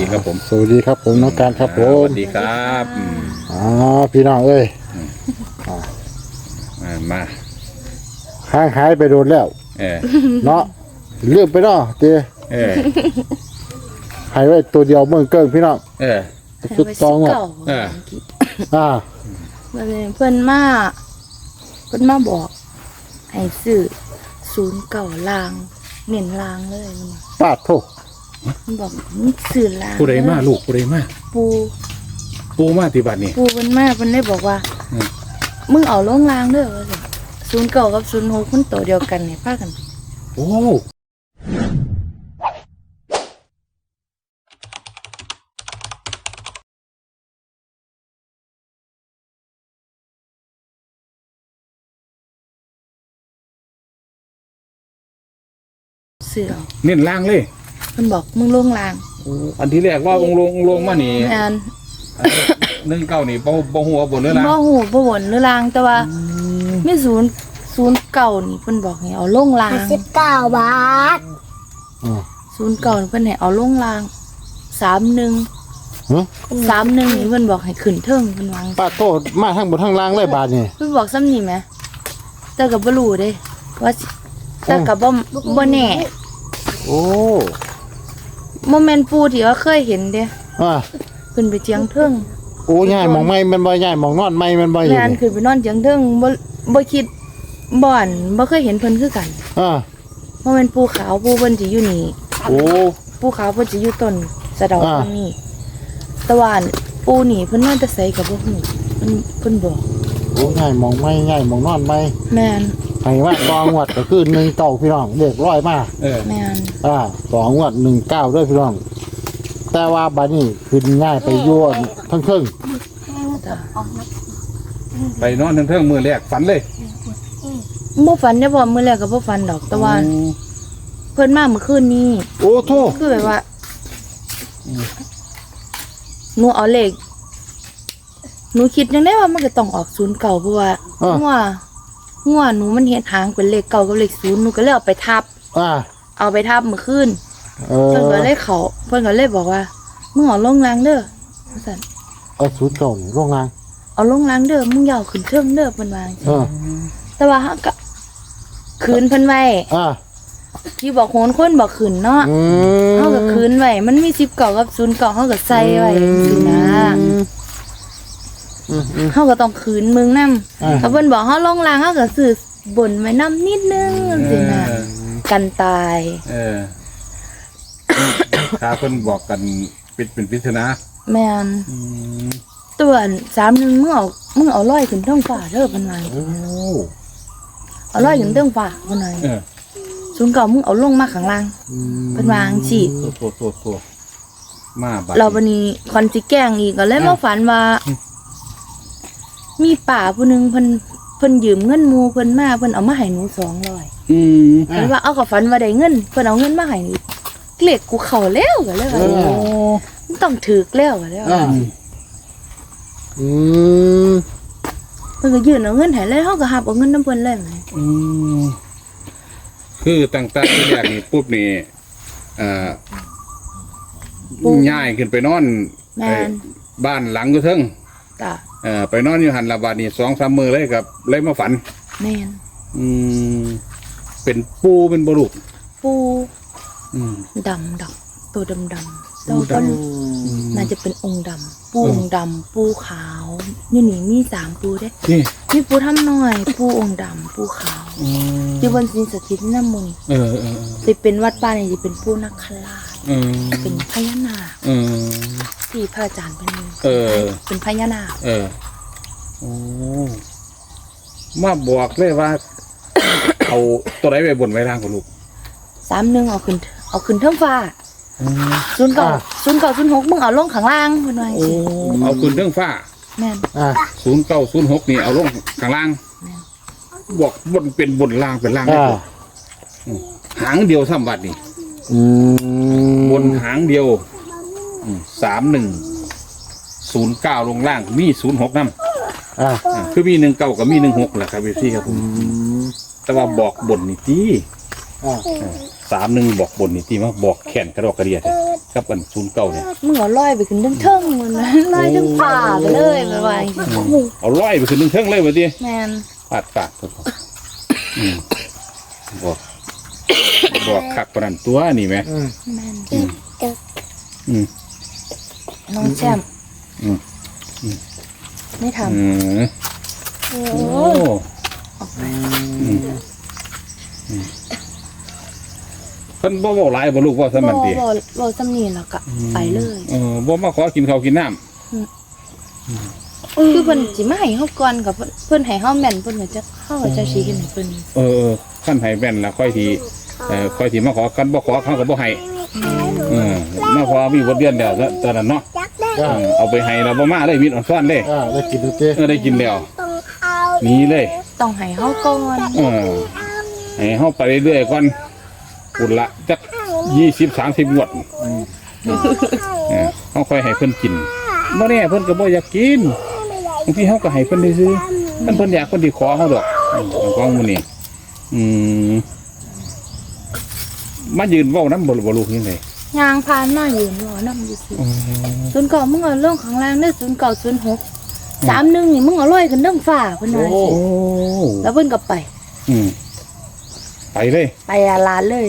ครับผมสวัสดีครับผมน้องการครับผสมวัสดีครับพี่น้องเอ้ยมาห่างหายไปโดนแล้ว เนาะเลือกไปเนาะเตี้ยเออหายไว้ตัวเดียวเมืองเกิ้งพี่น้องเออสุดตองอ่ะเอออ่าเพิ่นมาบอกให้ซื้อ09ลางเน้นลางเลยปาดโทษมันบอกมึงซื้อลางผู้ใดมาลูกผู้ใดมาปูปูมาที่บัดนี้ปูเพิ่นมาเพิ่นได้บอกว่าอืมมึงเอาลงลางเด้อว่าซั่น09กับ06มันตัวเดียวกันนี่พากันโอ้ซื้อเอาเน้นล่างเลยเพิ่นบอกมึงลงลางอันที่แรกว่าลงมานี่แม่น 19นี่บ่ฮู้ว่าบนหรือล่างบ่ฮู้บ่วนหรือลางแต่ว่ามี09นี่เพิ่นบอกให้เอาลงลาง 19 บาท 09นี่เพิ่นให้เอาลงลาง31 ฮะ 31นี่เพิ่นบอกให้ขึ้นเทิงเพิ่นวางปาดโทษมาทั้งบนทั้งล่างเลยบาทนี่เพิ่นบอกซ้ำนี่แหมแต่ก็บ่รู้เด้ว่าสิแต่ก็บ่แน่โอ้บ่แม่นปูที่ว่าเคยเห็นเด้อ่าขึ้นไปเจียงเทิงโอ้ย่ายมองไม่มันบ่ย่ายมองนอนไม่มันบ่อยู่แม่นขึ้นไปนอนเจียงเทิงบ่คิดบ่อนบ่เคยเห็นเพิ่นคือกันอ่าบ่แม่นปูขาวปูเพิ่นสิอยู่นี่โอ้ปูขาวเพิ่นสิอยู่ต้นสะเดาอ่าตรงนี้แต่ว่าปูนี่เพิ่นมาแต่ไสก็บ่ฮู้เพิ่นบอกโอ้ย่ายมองไม่ย่ายมองนอนไม่แม่นให้ว่าตองวดก็คือ19พี่น้องเด็กร้อยมาเออแม่นต่องวด19ด้วยพี่น้อง แต่ว่าบัดนี้ขึ้นง่ายไปยั่วทั้งครึ่งจ้ะไปนอนเทิงๆมื้อแรกฝันเลยบ่ฝันได้บ่มื้อแรกก็บ่ฝันดอกแต่ว่าเพิ่นมาเมื่อคืนนี้โอ้โทษคือแบบว่าหนูเอาเลขหนูคิดยังได้ว่ามันก็ต้องออก09เพราะว่างัวหนูมันเฮ็ดหางเป็นเลข9กับเลข0หนูก็เลยเอาไปทับ เอาไปทับเมื่อคืนเพิ่นก็เลยเพิ่นก็เลยบอกว่ามึงเอาลงรางเด้อว่าซั่นเอาสูตรเก่านี่โรงงานเอาลงรางเด้อมึงอย่าเอาขึ้นเครื่องเด้อเพิ่นว่าจังซี่แต่ว่าเฮาก็คืนเพิ่นไว้ที่บอกโหนคนบอกขึ้นเนาะเฮาก็คืนไว้มันมี19กับ09เฮาก็ใส่ไว้จังซี่นะเฮาก็ต้องคืนมึงนำถ้าเพิ่นบอกเฮาลงรางเฮาก็ซื้อบนไว้นำนิดนึงจังซี่นะกันตายเออถ้าเพิ่นบอกกันเป็นปริศนาแม่นตัว31มึงเอาลอยขึ้นเทิงฟ้าเด้อเพิ่นว่าโอ้เอาลอยขึ้นเทิงฟ้าเพิ่นว่าเออ 09มึงเอาลงมาข้างล่างเพิ่นว่าจังซี่โตมาบัดเราวันนี้คอนสิแกล้งอีกก็เลยมาฝันว่า มีป่าผู้หนึงเพิ่นยืมเงินหมู่เพิ่นมาเพิ่นเอามาให้หนู200 อืมเพิ่นว่าเอากับฝันว่าได้เงินเพิ่นเอาเงินมาให้หนูเลขกูเข้าแล้วก็เลยว่ามันต้องถูกแล้วก็เลยว่าอืมเพิ่นก็ยื่นเอาเงินให้เลยเฮาก็รับเอาเงินนำเพิ่นเลยแหมอืมคือตั้งแต่ที่แรกนี่ปุ๊บนี่ย้ายขึ้นไปนอนแม่นบ้านหลังอยู่เทิงจ้ะไปนอนอยู่หันละบาดนี่2-3 มื้อเลยครับเลยมาฝันแม่นอืมเป็นปูเป็นบ่ลูกปูอืมดำดอกตัวดำตัวก็น่าจะเป็นองค์ดำปูองค์ดำปูขาวนี่มี3ปูเด้นี่มีปูทำน้อย ปูองค์ดำปูขาวที่บนสินสถิตน้ำมนต์เออสิเป็นวัดป่านี่สิเป็นปูนักขลาช เป็นพญานาคเออที่พระอาจารย์เป็น เป็นพญานาคโอ้มาบอกเลยว่า เอาตัวไหนไปบนไว้ล่างของลูก 31เอาขึ้นเทิงฟ้า0906มึงเอาลงข้างล่างเพิ่นว่าจังโอ้ซี่เอาขึ้นเรื่องฟ้าแม่น 0906นี่เอาลงข้างล่าง บอกบนเป็นบนล่างเป็นล่างได้บ่หางเดียวซ้ำบัดนี่ บนหางเดียว3109ลงล่างมี06นำคือมี19กับมี16แหละครับพี่ครับผมแต่ว่าบอกบนนี่ติ31บอกบนนี่ติมาบอกแขนกระดอกกระเดียดกับอันศูนย์เก้าเนี่ยมึงเอาลอยไปขึ้นเทิงๆมันนะลอยถึงป่าไปเลยไปไว้เอาร้อยไปขึ้นเทิงๆเลยว่าดิแม่นปาดตัวบอกคักปานนั้นตัวนี่ไหมแม่นอืมน้องแชมป์อืมไม่ทอืมำโอ้โอ้ออกไปเพิ่นบ่เว้าหลายบ่ลูกว่าซะมันติบ่สำนีแล้วก็ไปเลยบ่มาขอกินข้าวกินน้ำคือเพิ่นสิมาให้เฮาก่อนกับเพิ่นให้เฮาแม่นเพิ่นก็จะเฮาก็จะสิเฮ็ดให้เพิ่นขั้นให้แม่นแล้วค่อยทีค่อยทีมาขอกันบ่ขอเขาก็บ่ให้มาขอมีบทเรียนแล้วตอนนั้นเนาะเอาไปให้แล้วบ่มาเลยมีอ่อนซ้อนเลยได้กินดูเจ้ได้กินแล้วหนีเลยต้องให้เฮาก่อนให้เฮาไปเรื่อยๆก่อนปุ่นละจัก20-30 งวดเฮาค่อยให้เพิ่นกินบ่แน่เพิ่นก็บ่อยากกินบางทีเฮาก็ให้เพิ่นได้ซื้อเพิ่นอยากเพิ่นสิขอเฮาดอกของมื้อนี้มายืนเว้านำบ่ลูกยังไงยางผ่านมายืนรอนำอยู่ซื่อ09มึงเอาลงข้างล่างเด้อ0906 31นี่มึงเอาลอยขึ้นเทิงฟ้าเพิ่นว่าแล้วเพิ่นก็ไปไปเลยไปลานเลย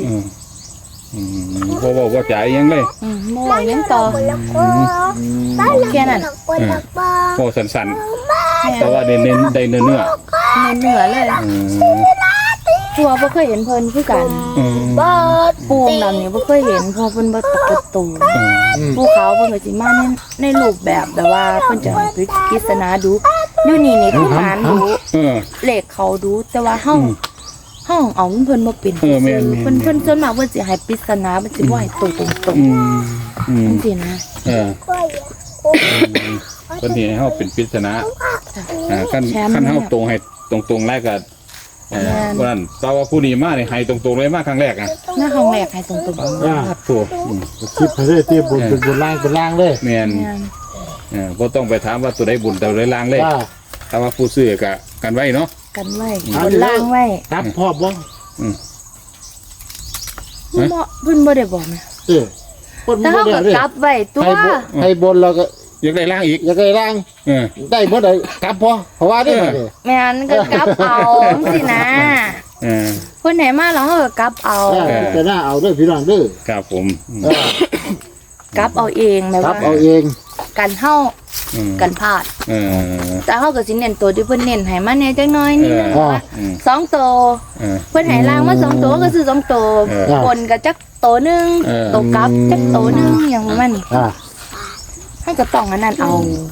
บ่จ่ายยังเลยบ่ไหวยังต่อแค่นั้นพอสั้นๆแต่ว่าได้เน้นได้เนื้อเหนือเลยตัวบ่เคยเห็นเพิ่นคือกันปูงดำนี่บ่เคยเห็นเพอเพิ่นบ่ปกติภูเขาเพิ่นก็สิมาในรูปแบบแต่ว่าเพิ่นจะให้ปริศนาดูอยู่นี่คือหารดูเลขเขาดูแต่ว่าห้องเอาเพิ่นบ่เป็นเพิ่นส่วนมากเพิ่นสิให้ปริศนาเพิ่นสิบ่ให้ตรงจังซี่นะเพิ่นสิให้เฮาเป็นปริศนาคันเฮาตรงให้ตรงๆแล้วก็ว่านั้นแต่ว่าผู้นี้มานี่ให้ตรงๆเลยมาครั้งแรกอ่ะหน้าห้องแรกให้ตรงครับถูกคลิปให้ได้ที่บุญเป็นบุญล่างเป็นล่างเลยแม่นบ่ต้องไปถามว่าตัวใดบุญตัวใดลางเลยแต่ว่าผู้ซื้อก็กันไว้เนาะกันไว้บนล่างไว้ครับพ่อบ่เพิ่นบ่ได้บอกนะคนแต่บ่เฮาได้ก็เลยกลับไว้ตัวให้บนเราก็อยากได้ล่างอีกอยากได้ล่างได้บ่ได้กลับพ่อเพราะว่าได้บ่ได้แม่นก็กลับเอาสินะเพิ่นให้มาแล้วเฮาก็กลับเอาจะน่าเอาด้วยพี่น้องเด้อครับผมกลับเอาเองแม่ครัว่าบเอาเองกันเฮากันพลาดแต่เฮาก็สิเน้นตัวที่เพิ่นเน้นให้มาแน่จักหน่อยนี่นะ2ตัวเพิ่นให้ล่างมา2ตัวก็ซื้อ2ตัวบนก็จักตัวนึงตัวกลับจักตัวนึงอย่างประมาณนี้ให้ก็ต้องอันนั้นเอา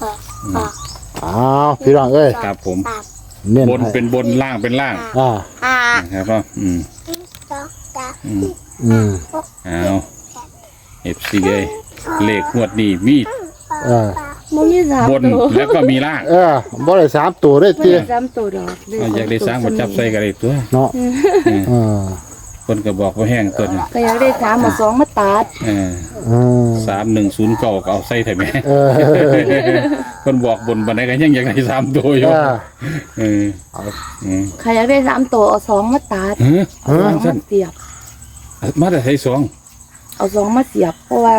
พี่น้องเอ้ยครับผมเน้นบนเป็นบนล่างเป็นล่างครับก็เอาFC เลยเลขงวดนี้มีบ่มี3 บนตัวแล้วก็มีล่างบ่ได้3ตัวได้บ่ติได้3ตัวดอกอยากได้สร้างมาจับใส่กันเลยตัวเนาะคนก็บอกว่าแห้งตัวนี้ก็อยากได้3มา2มาตัด 3109ก็เอาใส่ไถแม่คนบอกบนบันไดก็ยังอยากได้3ตัวอยู่ใครอยากได้3ตัวเอา2มาตัดมาเสียบมาแต่ใส่2 เอา2มาเสียบเพราะว่า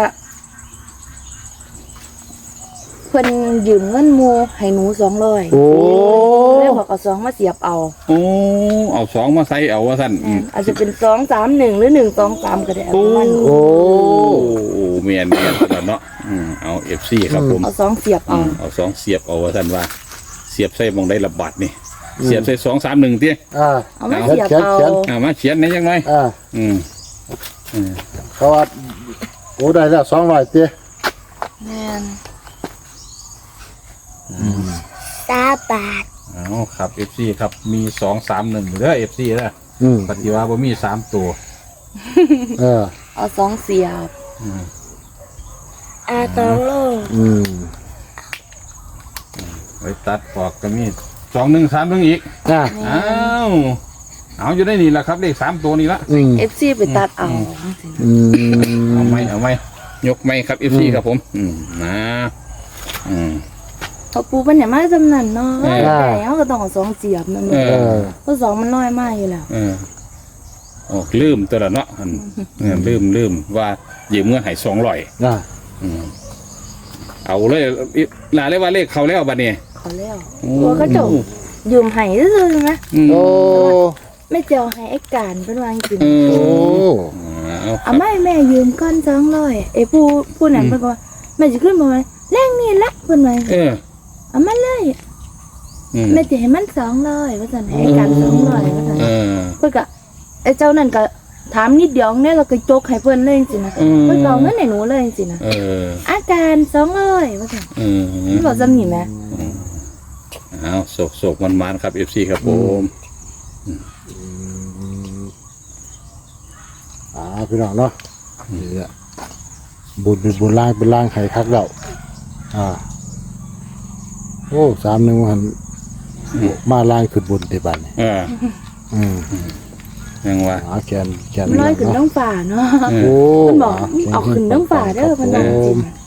เพิ่นยืมเงินหมู่ให้หนู200เลยบอกเอา2มาเสียบเอาเอา2มาใส่เอาว่าซั่นอาจจะเป็น231หรือ123ก็ได้เมียนตลอดเนาะเอา FC ครับผมเอา2เสียบเอา 2เสียบเอาว่าซั่นว่าเสียบใส่มองได้ระบาดนี่เสียบใส่231ติเอามาเสียบเอามาเขียนได้จังได๋เพราะว่าโอ้ได้แล้ว200ติแม่นบาทเอาครับ FC ครับมี231เด้อ FC เด้อปฏิว่าบ่มี3ตัวเอา2เสียบ 2โลไว้ตัดออกก็มี213อีกเอาอยู่ได้นี่ล่ะครับเลข3ตัวนี่ละ FC ไปตัดเอาเอาไหมยกไหมครับ FC ครับผมพอปูเป็นอย่างมากจำนันเนาะแต่เขาก็ต้องเอา2เสียบนั่นเพราะ2มันน้อยมากอยู่แล้วโอ้ลืมตัวละเนาะอันลืมว่ายืมเงินให้200 อ่าเอาเลยลาเลยว่าเลขเขาแล้วบัดนี้เขาแล้วตัวเขาเจบยืมให้ซื่อๆนะโอ้ไม่เจียวให้ไอ้การเป็นวางกินโอ้เอาไม่แม่ยืมก้อน200ไอ้ผู้นั้นเพิ่นก็ว่าแม่สิขึ้นมาว่าแรงนี่ละเพิ่นว่าเอามาเลยแม่สิให้มัน200ว่าซั่นให้ไอ้การ200ว่าซั่นเพิ่นก็ไอ้เจ้านั่นก็ถามนิดเดียวเนี่ยเราก็จกให้เพิ่นเลยจังซี่นะเพิ่นก็เอาเงินให้หนูเลยจังซี่นะอาการ200ว่าซั่นบ่จำนี่แม่เอาโศกมันครับ FC ครับผมพี่น้องเนาะนี่แหละบุญเป็นบุญล่างเป็นล่างไข่คักแล้วโอ้31หันมาล่างขึ้นบนเตบัดนี่ยังว่าแกนน้อยขึ้นน้องฝ่าเนาะโอ้เพิ่นบอกเอาขึ้นน้องฝ่าเด้อเพิ่นว่าจริง